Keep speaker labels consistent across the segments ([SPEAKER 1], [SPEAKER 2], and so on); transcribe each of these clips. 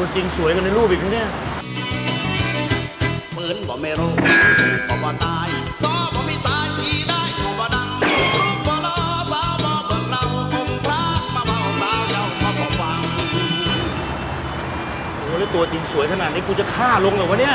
[SPEAKER 1] จริงสวยกันในรูปอีกนะเนี่ย
[SPEAKER 2] ปืนบ่ไม่รู้บ่บ่ตายซอบ่มีสายสีได้บ่ดังรูปบ่ลอสาวบ่เบิ่งเราองค์พระมาเบาสาวเจ้ามาบ่ฟัง
[SPEAKER 1] โอ้แล้วตัวจริงสวยขนาดนี้กูจะฆ่าลงเหรอวะเนี่ย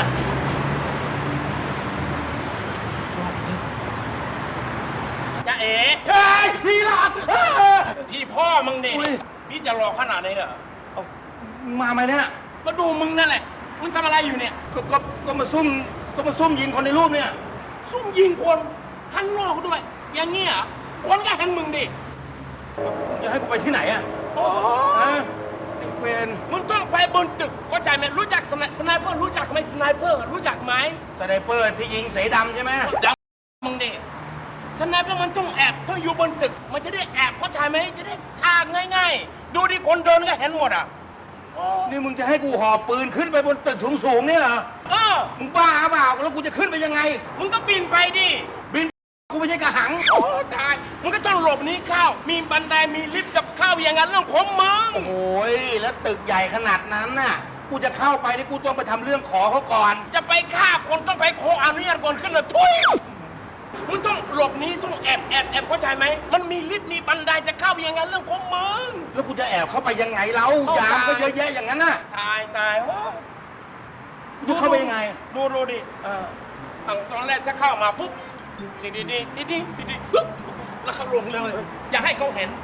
[SPEAKER 3] จ๊ะเอ๋
[SPEAKER 1] เฮ้ยพี่หลัก
[SPEAKER 3] พี่พ่อมึงดิพี่จะรอขนาดนี้เหรอ
[SPEAKER 1] เอามาไหมเนี่ย
[SPEAKER 3] มาดูมึงนั่นแหละมึงทำอะไรอยู่เนี่ย
[SPEAKER 1] ก็มาซุ่มยิงคนในรูปเนี่ย
[SPEAKER 3] ซุ่มยิงคนข้างนอกด้วยอย่างเงี้ยคนก็เห็นมึงดิ
[SPEAKER 1] จะให้กูไปที่ไหนอะ
[SPEAKER 3] โอ้
[SPEAKER 1] ไอ้เวร
[SPEAKER 3] มึงต้องไปบนตึกเข้าใจไหมรู้จักสไนเปอร์รู้จักไหมสไนเปอร์รู้จักไหม
[SPEAKER 1] สไนเปอร์ที่ยิงเสดำใช่ไหม
[SPEAKER 3] ดำมึงดิสไนเปอร์มันต้องแอบต้องอยู่บนตึกมันจะได้แอบเข้าใจไหมจะได้ทางง่ายๆดูดิคนเดินก็เห็นหมดอ่ะ
[SPEAKER 1] นี่มึงจะให้กูหอบปืนขึ้นไปบนตึกสูงๆเนี่ยเหรอมึงบ้าเปล่าแล้วกูจะขึ้นไปยังไง
[SPEAKER 3] มึงก็บินไปดิ
[SPEAKER 1] บินกูไม่ใช่กระหัง
[SPEAKER 3] โอ้ตายมึงก็ต้องหลบนี้เข้ามีบันไดมีลิฟต์จะเข้าอย่างนั้นเรื่องของมึง
[SPEAKER 1] โอ้ยแล้วตึกใหญ่ขนาดนั้นน่ะกูจะเข้าไปนี่กูต้องไปทำเรื่องขอเขาก่อน
[SPEAKER 3] จะไปฆ่าคนต้องไปขออนุญาตก่อนขึ้นเลยทุยมึงต้องหลบนี้ต้องแอบเข้าใจไหมมันมีลิฟต์มีบันไดจะเข้าอย่างนั้นเรื่องของมึง
[SPEAKER 1] แล้วกูจะแอบเข้าไปยังไงเรายามก็เยอะแยะอย่างนั้นน่ะ
[SPEAKER 3] ตาย
[SPEAKER 1] กูจะเข้าไปยังไง
[SPEAKER 3] ดูดิตอนแรกถ้าเข้ามาปุ๊บดีแล้วเขาลงเลยอย่าให้เขาเห็น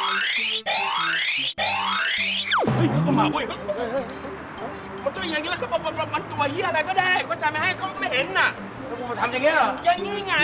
[SPEAKER 3] เฮ้ยเขามาเว้ยมันตัวอย่างนี้แล้วเขาบอกมันตัวเหี้ยอะไรก็ได้ก็จะไม่ให้เขาไม่เห็นน่ะ
[SPEAKER 1] แล้วกูมาทำอย่างเงี้ยเหรอ
[SPEAKER 3] อย่างนี้ไง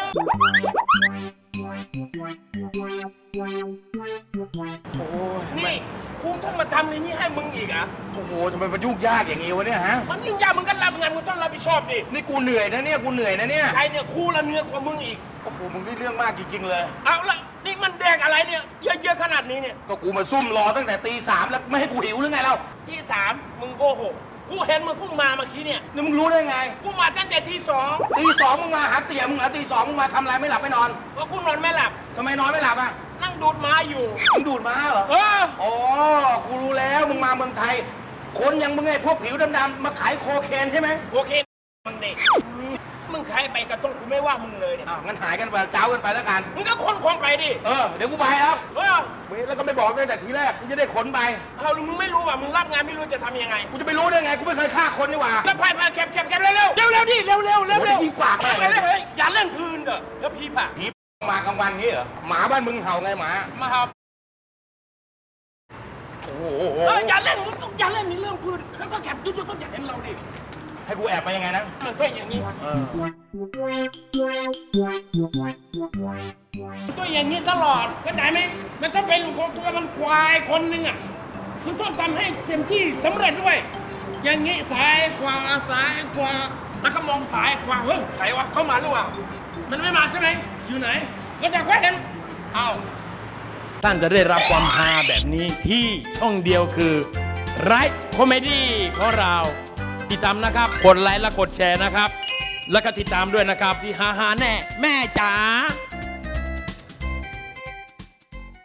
[SPEAKER 1] โอ้
[SPEAKER 3] นี่กูต้องมาทำอย่างนี้ให้มึงอีกอ่ะ
[SPEAKER 1] โอ้โหทำไมมันยุ่งยากอย่างงี้วะเนี่ยฮะ
[SPEAKER 3] มันยุ่งยากมึงก็รับงานมึงต้องรับผิดชอบดิ
[SPEAKER 1] นี่กูเหนื่อยนะเนี่ยกูเหนื่อยนะเนี่ย
[SPEAKER 3] ใครเนี่ยครูละเหนื่อยกว่ามึงอีก
[SPEAKER 1] โอ้โหมึงนี่เรื่องมากจริงๆเลย
[SPEAKER 3] เอาละนี่มันแดงอะไรเนี่ยเยอะๆขนาดนี้เนี่ย
[SPEAKER 1] ก็กูมาซุ่มรอตั้งแต่ตีสามแล้วไม่ให้กูหิวหรือไงเรา
[SPEAKER 3] ที่สามมึงโกหกกูเห็นมึงเพิ่งมาเมื่อกี้เนี่ย
[SPEAKER 1] นี่มึงรู้ได้ไง
[SPEAKER 3] กูมาตั้งแต่ที่สอง
[SPEAKER 1] มึงมาหาเตี่ยมึงเหรอตีสองมึงมาทำอะไรไม่หลับไม่นอน
[SPEAKER 3] เพราะกูนอนไม่หลับ
[SPEAKER 1] ทำไมนอนไม่หลับอ่ะ
[SPEAKER 3] นั่งดูดม้าอยู่
[SPEAKER 1] มึงดูดม้าเหรออ๋อกูรู้แล้วมึงมาเมืองไทยคนอย่างมึงไงพวกผิวดำๆมาขายโคเคนใช่ไหม
[SPEAKER 3] โคเคนมึงเด็กมึงขายไปกระต้องกูไม่ว่ามึงเลยเนี่ย
[SPEAKER 1] งั้นหายกันไปเจ้ากันไปแล้วกัน
[SPEAKER 3] มึงก็ขนของไปดิ
[SPEAKER 1] เดี๋ยวกูไปแล้วแล้วก็ไม่บอกตั้งแต่ทีแรกมึงจะได้ขนไป
[SPEAKER 3] มึงไม่รู้ว่ามึงรับงานไม่รู้จะทำยังไง
[SPEAKER 1] กูจะไปรู้ได้ไงกูไม่เคยฆ่าคนนี่หว่า
[SPEAKER 3] ก็ไปแคบเร็วดิเร็ว
[SPEAKER 1] พี่ปาก
[SPEAKER 3] เลยอย่าเล่นพื้นเด้อแล้วพี่ป่ะ
[SPEAKER 1] พี่มากลางวันงี้เหรอหมาบ้านมึงเห่าไงหมา
[SPEAKER 3] เห่า
[SPEAKER 1] โอ้โห
[SPEAKER 3] อย่าเล่นนี่เรื่องพื้นก็แคบยุ่งก็อย่าเห็นเราดิ
[SPEAKER 1] ให้กูแอบไปยังไงนะ
[SPEAKER 3] มันก็อย่างนี้ตัวอย่างนี้ตลอดเข้าใจไหมมันต้องเป็นของตัวมันควายคนหนึ่งอ่ะมันต้องทำให้เต็มที่สำเร็จด้วยอย่างนี้ซ้ายขวาแล้วก็มองซ้ายขวาเฮ้ยใครวะเข้ามาหรือเปล่ามันไม่มาใช่ไหมอยู่ไหนก็จะค่อยเห็นท่านจะได้รับความฮาแบบนี้ที่ช่องเดียวคือไรคอมเมดี้ของเราติดตามนะครับกดไลค์และกดแชร์นะครับแล้วก็ติดตามด้วยนะครับที่ฮาแน่แม่จ๋า